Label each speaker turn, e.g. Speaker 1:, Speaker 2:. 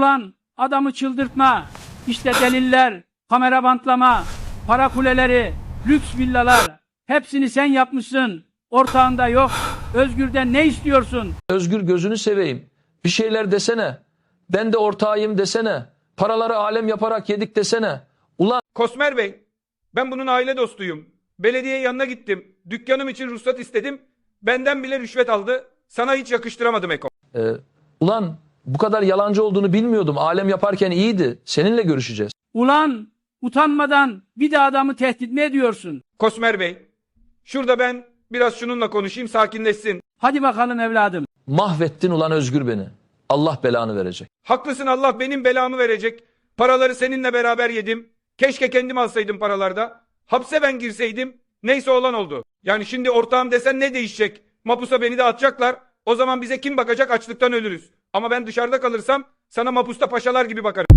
Speaker 1: Ulan adamı çıldırtma. İşte deliller, kamera bantlama, para kuleleri, lüks villalar. Hepsini sen yapmışsın. Ortağında yok. Özgür'den ne istiyorsun?
Speaker 2: Özgür gözünü seveyim. Bir şeyler desene. Ben de ortağıyım desene. Paraları alem yaparak yedik desene. Ulan
Speaker 3: Kosmer Bey, ben bunun aile dostuyum. Belediye yanına gittim. Dükkanım için ruhsat istedim. Benden bile rüşvet aldı. Sana hiç yakıştıramadım Eko.
Speaker 2: ulan bu kadar yalancı olduğunu bilmiyordum. Alem yaparken iyiydi. Seninle görüşeceğiz.
Speaker 1: Ulan utanmadan bir de adamı tehdit mi ediyorsun?
Speaker 3: Kosmer Bey, şurada ben biraz şununla konuşayım, sakinleşsin.
Speaker 1: Hadi bakalım evladım.
Speaker 2: Mahvettin ulan Özgür beni. Allah belanı verecek.
Speaker 3: Haklısın, Allah benim belamı verecek. Paraları seninle beraber yedim. Keşke kendim alsaydım paralarda. Hapse ben girseydim. Neyse olan oldu. Yani şimdi ortağım desen ne değişecek? Mapusa beni de atacaklar. O zaman bize kim bakacak? Açlıktan ölürüz. Ama ben dışarıda kalırsam sana mapusta paşalar gibi bakarım.